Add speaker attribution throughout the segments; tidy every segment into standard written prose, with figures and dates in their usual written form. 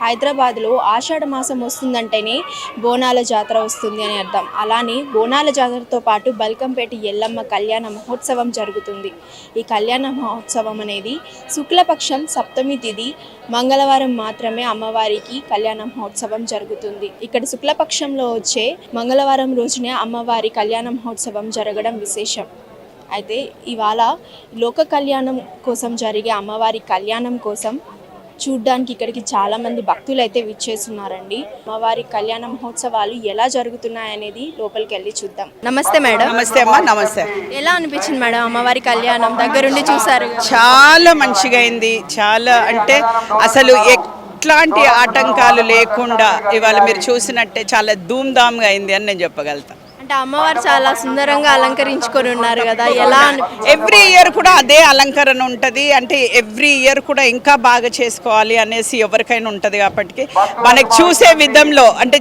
Speaker 1: హైదరాబాద్లో ఆషాఢ మాసం వస్తుందంటేనే బోనాల జాతర వస్తుంది అని అర్థం. అలానే బోనాల జాతరతో పాటు బల్కంపేట ఎల్లమ్మ కళ్యాణ మహోత్సవం జరుగుతుంది. ఈ కళ్యాణ మహోత్సవం అనేది శుక్లపక్షం సప్తమి తిథి మంగళవారం మాత్రమే అమ్మవారికి కళ్యాణ మహోత్సవం జరుగుతుంది. ఇక్కడ శుక్లపక్షంలో వచ్చే మంగళవారం రోజునే అమ్మవారి కళ్యాణ మహోత్సవం జరగడం విశేషం. అయితే ఇవాళ లోక కళ్యాణం కోసం జరిగే అమ్మవారి కళ్యాణం కోసం చూడ్డానికి ఇక్కడికి చాలామంది భక్తులు అయితే విచ్చేస్తున్నారండి. అమ్మవారి కళ్యాణ మహోత్సవాలు ఎలా జరుగుతున్నాయనేది లోపలికి వెళ్ళి చూద్దాం. నమస్తే మేడం.
Speaker 2: నమస్తే అమ్మా. నమస్తే.
Speaker 1: ఎలా అనిపించింది మేడం అమ్మవారి కళ్యాణం? దగ్గరుండి చూసారు.
Speaker 2: చాలా మంచిగా అయింది. చాలా అంటే అసలు ఎట్లాంటి ఆటంకాలు లేకుండా ఇవాళ మీరు చూసినట్టే చాలా ధూమ్ధామ్గా అయింది అని నేను చెప్పగలుగుతాను.
Speaker 1: అమ్మవారు చాలా సుందరంగా అలంకరించుకొని ఉన్నారు కదా, ఎలా?
Speaker 2: ఎవ్రీ ఇయర్ కూడా అదే అలంకరణ ఉంటుంది. అంటే ఎవ్రీ ఇయర్ కూడా ఇంకా బాగా చేసుకోవాలి అనేసి ఎవరికైనా ఉంటుంది. కాబట్టి మనకి చూసే విధంలో అంటే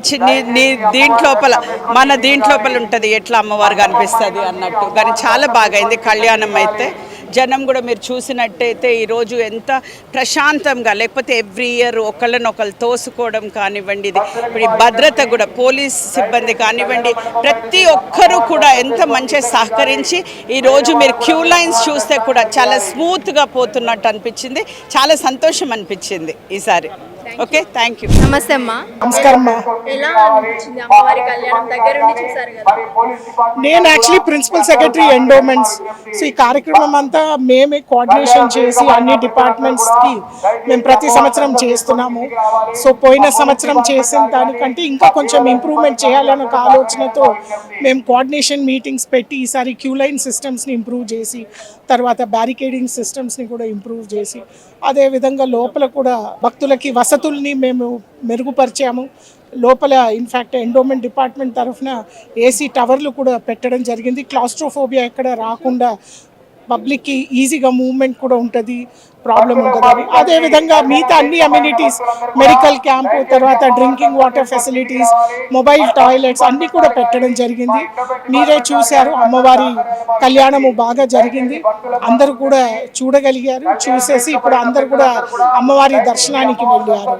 Speaker 2: దీంట్లోపల మన దీంట్లోపల ఉంటుంది ఎట్లా అమ్మవారు కనిపిస్తుంది అన్నట్టు. కానీ చాలా బాగా అయింది కళ్యాణం. అయితే జనం కూడా మీరు చూసినట్టయితే ఈరోజు ఎంత ప్రశాంతంగా, లేకపోతే ఎవ్రీ ఇయర్ ఒకళ్ళనొకళ్ళు తోసుకోవడం కానివ్వండి, ఇది ఇప్పుడు ఈ భద్రత కూడా పోలీస్ సిబ్బంది కానివ్వండి, ప్రతి ఒక్కరూ కూడా ఎంత మంచిగా సహకరించి ఈరోజు మీరు క్యూ లైన్స్ చూస్తే కూడా చాలా స్మూత్గా పోతున్నట్టు అనిపించింది. చాలా సంతోషం అనిపించింది ఈసారి. Okay, thank you.
Speaker 1: నమస్తే అమ్మా.
Speaker 3: నమస్కారం.
Speaker 1: ఎలా అనిపించింది అమ్మవారి కళ్యాణం? దగ్గరుండి చూసారు కదా.
Speaker 3: నేను actually principal secretary endowments. So ఈ కార్యక్రమం అంతా మేమే కోఆర్డినేషన్ చేసి అన్ని డిపార్ట్మెంట్స్కి మేము ప్రతి సంవత్సరం చేస్తున్నాము. సో పోయిన సంవత్సరం చేసిన దానికంటే ఇంకా కొంచెం ఇంప్రూవ్మెంట్ చేయాలన్న ఒక ఆలోచనతో మేము కోఆర్డినేషన్ మీటింగ్స్ పెట్టి ఈసారి క్యూ లైన్ సిస్టమ్స్ని ఇంప్రూవ్ చేసి, తర్వాత బ్యారికేడింగ్ సిస్టమ్స్ని కూడా ఇంప్రూవ్ చేసి, అదేవిధంగా లోపల కూడా భక్తులకి వసతుల్ని మేము మెరుగుపరిచాము. లోపల ఇన్ఫ్యాక్ట్ ఎండోమెంట్ డిపార్ట్మెంట్ తరఫున ఏసీ టవర్లు కూడా పెట్టడం జరిగింది. క్లాస్ట్రోఫోబియా ఎక్కడ రాకుండా పబ్లిక్కి ఈజీగా మూవ్మెంట్ కూడా ఉంటుంది, ప్రాబ్లం ఉంటుంది. అదేవిధంగా మిగతా అన్ని అమ్యూనిటీస్, మెడికల్ క్యాంపు, తర్వాత drinking water facilities, mobile toilets అన్నీ కూడా పెట్టడం జరిగింది. మీరే చూశారు, అమ్మవారి కళ్యాణము బాగా జరిగింది. అందరూ కూడా చూడగలిగారు. చూసేసి ఇప్పుడు అందరూ కూడా అమ్మవారి దర్శనానికి వెళ్ళారు.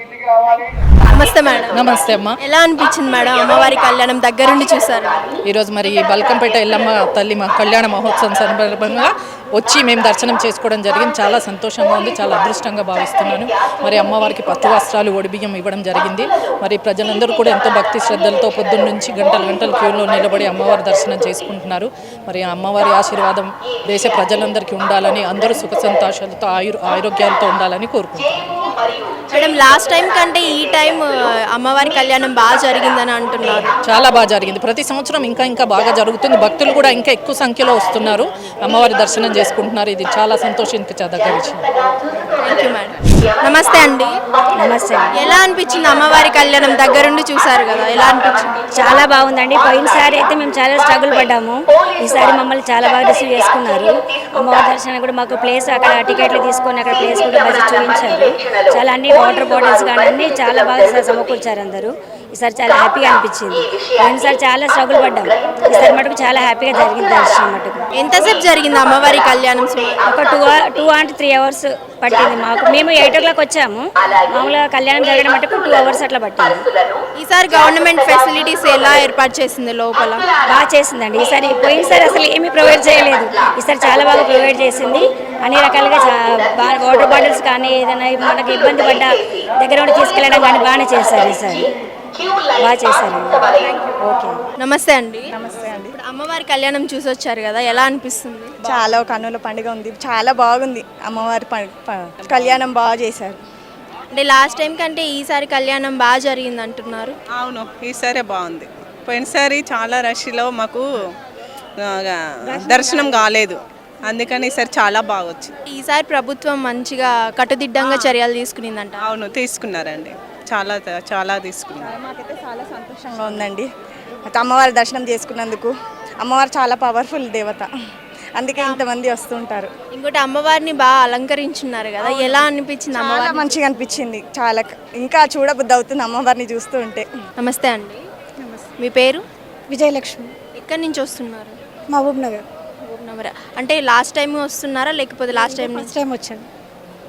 Speaker 1: నమస్తే మేడం.
Speaker 4: నమస్తే అమ్మ.
Speaker 1: ఎలా అనిపించింది మేడం అమ్మవారి కళ్యాణం? దగ్గరుండి చూసారు.
Speaker 4: ఈరోజు మరి బల్కంపేట ఎల్లమ్మ తల్లి కళ్యాణ మహోత్సవం సందర్భంగా వచ్చి మేము దర్శనం చేసుకోవడం జరిగింది. చాలా సంతోషంగా ఉంది, చాలా అదృష్టంగా భావిస్తున్నాను. మరి అమ్మవారికి పట్టు వస్త్రాలు, ఒడిబియ్యం ఇవ్వడం జరిగింది. మరి ప్రజలందరూ కూడా ఎంతో భక్తి శ్రద్ధలతో పొద్దున్న నుంచి గంటలు క్యూలో నిలబడి అమ్మవారి దర్శనం చేసుకుంటున్నారు. మరి అమ్మవారి ఆశీర్వాదం దేశ ప్రజలందరికీ ఉండాలని, అందరూ సుఖ సంతోషాలతో ఆరోగ్యాలతో ఉండాలని కోరుకుంటున్నాను.
Speaker 1: మేడం, లాస్ట్ టైం కంటే ఈ టైం అమ్మవారి కళ్యాణం బాగా జరిగిందని అంటున్నారు.
Speaker 4: చాలా బాగా జరిగింది. ప్రతి సంవత్సరం ఇంకా బాగా జరుగుతుంది. భక్తులు కూడా ఇంకా ఎక్కువ సంఖ్యలో వస్తున్నారు, అమ్మవారి దర్శనం చేసుకుంటున్నారు. ఇది చాలా సంతోషించదగ్గ విషయం.
Speaker 1: Thank you madam. నమస్తే అండి.
Speaker 5: నమస్తే.
Speaker 1: ఎలా అనిపించింది అమ్మవారి కళ్యాణం? దగ్గరుండి చూసారు కదా, ఎలా అనిపించింది?
Speaker 5: చాలా బాగుందండి. పోయినసారి అయితే మేము చాలా స్ట్రగుల్ పడ్డాము. ఈసారి మమ్మల్ని చాలా బాగా రిసీవ్ చేసుకున్నారు. అమ్మవారి దర్శనం కూడా మాకు ప్లేస్, అక్కడ టికెట్లు తీసుకొని అక్కడ ప్లేస్ కూడా బడ్జెట్ చూపించారు. చాలా అన్ని వాటర్ బాటిల్స్ కానీ అన్నీ చాలా బాగా సమకూర్చారు అందరూ. ఈసారి చాలా హ్యాపీగా అనిపించింది. పోయినసారి చాలా స్ట్రగుల్ పడ్డాం. ఈసారి మటుకు చాలా హ్యాపీగా జరిగింది దర్శనం మటుకు.
Speaker 1: ఎంతసేపు జరిగింది అమ్మవారి కళ్యాణం?
Speaker 5: ఒక 2 and 3 hours పట్టింది మాకు. మేము 8 o'clock వచ్చాము. మామూలుగా కళ్యాణం జరగడం మటుకు 2 hours అట్లా పట్టింది.
Speaker 1: ఈసారి గవర్నమెంట్ ఫెసిలిటీస్ ఎలా ఏర్పాటు చేసింది లోపల?
Speaker 5: బాగా చేసిందండి. ఈసారి పోయినసారి అసలు ఏమీ ప్రొవైడ్ చేయలేదు. ఈసారి చాలా బాగా ప్రొవైడ్ చేసింది. అన్ని రకాలుగా వాటర్ బాటిల్స్ కానీ ఏదైనా మనకి ఇబ్బంది పడ్డ దగ్గర ఉండి తీసుకెళ్ళడం కానీ బాగానే చేశారు. ఈసారి బాగా చేశారు. ఓకే.
Speaker 1: నమస్తే అండి.
Speaker 6: నమస్తే అండి.
Speaker 1: ఇప్పుడు అమ్మవారి కళ్యాణం చూసి వచ్చారు కదా, ఎలా అనిపిస్తుంది?
Speaker 6: చాలా కన్నుల పండుగ ఉంది, చాలా బాగుంది. అమ్మవారి కళ్యాణం బాగా చేశారు.
Speaker 1: అంటే లాస్ట్ టైం కంటే ఈసారి కళ్యాణం బాగా జరిగింది అంటున్నారు.
Speaker 2: అవును, ఈసారి బాగుంది. పోయినసారి చాలా రష్లో మాకు దర్శనం కాలేదు, అందుకని ఈసారి చాలా బాగా వచ్చింది.
Speaker 1: ఈసారి ప్రభుత్వం మంచిగా కట్టుదిట్టంగా చర్యలు తీసుకునిందంట.
Speaker 2: అవును, తీసుకున్నారండి. చాలా తీసుకున్నారు.
Speaker 6: మాకైతే చాలా సంతోషంగా ఉందండి అమ్మవారి దర్శనం చేసుకున్నందుకు. అమ్మవారు చాలా పవర్ఫుల్ దేవత, అందుకే ఇంతమంది వస్తుంటారు.
Speaker 1: ఇంకోటి అమ్మవారిని బాగా అలంకరించున్నారు కదా, ఎలా అనిపించింది?
Speaker 6: చాలా మంచిగా అనిపించింది. చాలా ఇంకా చూడబుద్ధి అవుతుంది అమ్మవారిని చూస్తూ ఉంటే.
Speaker 1: నమస్తే అండి. మీ పేరు?
Speaker 5: విజయలక్ష్మి.
Speaker 1: ఎక్కడి నుంచి వస్తున్నారు?
Speaker 5: మహబూబ్ నగర్.
Speaker 1: అంటే లాస్ట్ టైం వస్తున్నారా లేకపోతే లాస్ట్ టైం
Speaker 5: టైం వచ్చాను.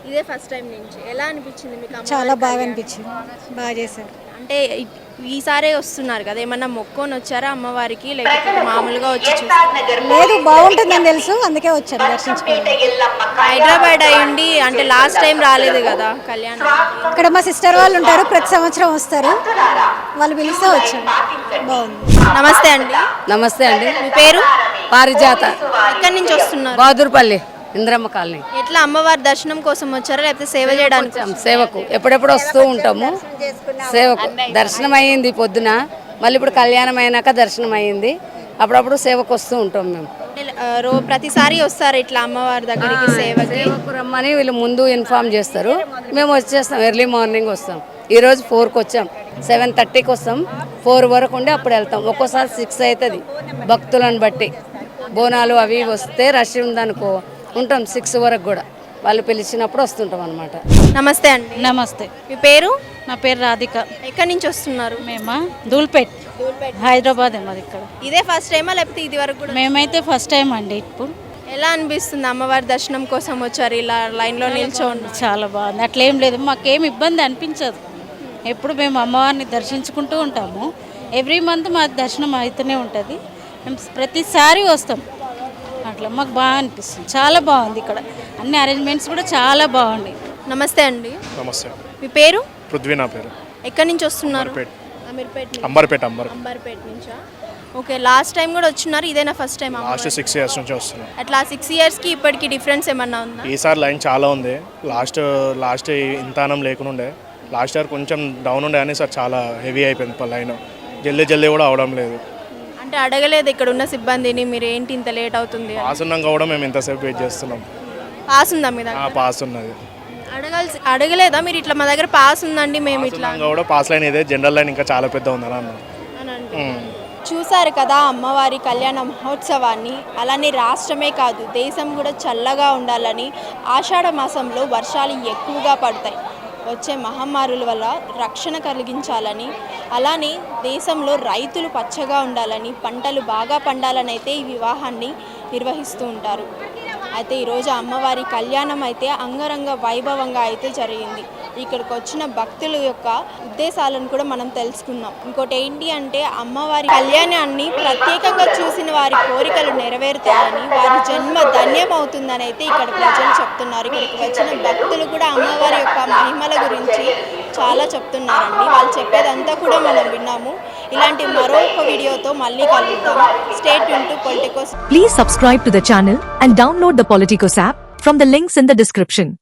Speaker 1: ఇదే ఫస్ట్ టైం నుంచి ఎలా అనిపించింది మీకు అమ్మవారి
Speaker 7: చాలా బాగా
Speaker 1: కళ్యాణం?
Speaker 7: అనిపించింది, బాగా చేశారు.
Speaker 1: అంటే ఈసారే వస్తున్నారు కదా, ఏమన్నా మొక్కొని వచ్చారా అమ్మవారికి, లేకపోతే మామూలుగా వచ్చి చూస్తారా?
Speaker 7: లేదు, బాగుంటుందని తెలుసు, అందుకే వచ్చాను దర్శించుకోవడం.
Speaker 1: హైదరాబాద్ అయ్యండి అంటే లాస్ట్ టైం రాలేదు కదా కళ్యాణం.
Speaker 7: ఇక్కడ మా సిస్టర్ వాళ్ళు ఉంటారు, ప్రతి సంవత్సరం వస్తారు, వాళ్ళు పిలిస్తే వచ్చాను. బాగుంది.
Speaker 1: నమస్తే అండి,
Speaker 8: నమస్తే అండి.
Speaker 1: మీ పేరు?
Speaker 8: పారిజాత,
Speaker 1: ఎక్కడి నుంచి వస్తున్నారు?
Speaker 8: బహదూర్పల్లి, ఇంద్రమ్మ కాలనీ.
Speaker 1: ఎట్లా అమ్మవారి దర్శనం కోసం వచ్చారా లేకపోతే సేవ చేయడానికి?
Speaker 8: సేవకు ఎప్పుడెప్పుడు వస్తూ ఉంటాము. సేవకు దర్శనం అయ్యింది పొద్దున, మళ్ళీ ఇప్పుడు కళ్యాణం అయినాక దర్శనం అయ్యింది. అప్పుడప్పుడు సేవకు వస్తూ ఉంటాం మేము.
Speaker 1: ప్రతిసారి వస్తారు ఇట్లా అమ్మవారి దగ్గరికి సేవకి?
Speaker 8: సేవకు రమ్మని వీళ్ళు ముందు ఇన్ఫామ్ చేస్తారు, మేము వచ్చేస్తాం. ఎర్లీ మార్నింగ్ వస్తాం. ఈరోజు 4కి వచ్చాం, 7:30కి వస్తాం, 4 వరకు ఉండి అప్పుడు వెళ్తాం. ఒక్కోసారి 6 అవుతుంది భక్తులను బట్టి. బోనాలు అవి వస్తే రష్ ఉందనుకో ఉంటాం 6 వరకు కూడా, వాళ్ళు పిలిచినప్పుడు వస్తుంటాం అనమాట.
Speaker 1: నమస్తే అండి.
Speaker 9: నమస్తే,
Speaker 1: మీ పేరు?
Speaker 9: నా పేరు రాధిక.
Speaker 1: ఎక్కడి నుంచి వస్తున్నారు?
Speaker 9: మేమా ధూల్పేట్, హైదరాబాద్ మాది ఇక్కడ.
Speaker 1: ఇదే ఫస్ట్ టైమా లేకపోతే ఇది వరకు కూడా?
Speaker 9: మేమైతే ఫస్ట్ టైం అండి. ఇప్పుడు
Speaker 1: ఎలా అనిపిస్తుంది అమ్మవారి దర్శనం కోసం వచ్చారు ఇలా లైన్లో నిల్చోండి?
Speaker 9: చాలా బాగుంది, అట్లేం లేదు, మాకేం ఇబ్బంది అనిపించదు. ఎప్పుడు మేము అమ్మవారిని దర్శించుకుంటూ ఉంటాము. ఎవ్రీ మంత్ మా దర్శనం అవుతూనే ఉంటుంది, మేము ప్రతిసారి వస్తాం. అట్లా మాకు బాగా అనిపిస్తుంది, చాలా బాగుంది ఇక్కడ. అన్ని అరేంజ్మెంట్స్ కూడా చాలా బాగున్నాయి.
Speaker 1: నమస్తే అండి.
Speaker 10: నమస్తే.
Speaker 1: మీ పేరు?
Speaker 10: పృథ్వీ నా పేరు.
Speaker 1: ఎక్కడి నుంచి వస్తున్నారు?
Speaker 10: అమీర్పేట్.
Speaker 1: నుంచి. అంబర్పేట్ నుంచా? ఓకే, లాస్ట్ టైం కూడా వచ్చినారు, ఇదేనా ఫస్ట్ టైం?
Speaker 10: లాస్ట్ 6 ఇయర్స్ నుంచి వస్తున్నాం.
Speaker 1: అట్లా 6 ఇయర్స్కి ఇప్పటికి డిఫరెన్స్ ఏమన్నా ఉందా?
Speaker 10: ఈసారి లైన్ చాలా ఉంది. లాస్ట్ ఇంతానం లేకుండా లాస్ట్ ఇయర్ కొంచెం డౌన్ ఉండే, కానీ సార్ చాలా హెవీ అయిపోయింది లైన్. జల్దీ కూడా అవడం లేదు.
Speaker 1: అంటే అడగలేదు ఇక్కడ ఉన్న సిబ్బందిని, మీరు ఏంటి ఇంత లేట్ అవుతుంది అని?
Speaker 10: పాస్ ఉన్నాం కూడా మేము ఇంతసేపు వెయిట్ చేస్తున్నాం.
Speaker 1: పాస్ ఉందా మీ దగ్గర?
Speaker 10: పాస్ ఉన్నది.
Speaker 1: అడగలేదా మీరు ఇట్లా మా దగ్గర పాస్ ఉందండి మేము ఇట్లా
Speaker 10: కూడా పాస్ లైన్ ఇదే, జనరల్ లైన్ ఇంకా చాలా పెద్ద ఉందని అన్నారు.
Speaker 1: చూసారు కదా అమ్మవారి కళ్యాణ మహోత్సవాన్ని. అలానే రాష్ట్రమే కాదు దేశం కూడా చల్లగా ఉండాలని, ఆషాఢ మాసంలో వర్షాలు ఎక్కువగా పడతాయి, వచ్చే మహమ్మారుల వల్ల రక్షణ కలిగించాలని, అలానే దేశంలో రైతులు పచ్చగా ఉండాలని, పంటలు బాగా పండాలని అయితే ఈ వివాహాన్ని నిర్వహిస్తూ ఉంటారు. అయితే ఈరోజు అమ్మవారి కళ్యాణం అయితే అంగరంగ వైభవంగా అయితే జరిగింది. ఇక్కడికి వచ్చిన భక్తుల యొక్క ఉద్దేశాలను కూడా మనం తెలుసుకుందాం. ఇంకోటి ఏంటి అంటే అమ్మవారి కళ్యాణాన్ని ప్రత్యేకంగా చూసిన వారి కోరికలు నెరవేరుతాయని, వారి జన్మ ధన్యం అవుతుందని అయితే ఇక్కడ ప్రజలు చెప్తున్నారు. ఇక్కడికి వచ్చిన భక్తులు కూడా అమ్మవారి యొక్క మహిమల గురించి చాలా చెప్తున్నారండి. వాళ్ళు చెప్పేదంతా కూడా మనం విన్నాము. ఇలాంటి మరొక వీడియోతో మళ్ళీ కలుద్దాం. Stay tuned to Politicos.
Speaker 11: Please subscribe to the channel and download the Politicos app from the links in the description.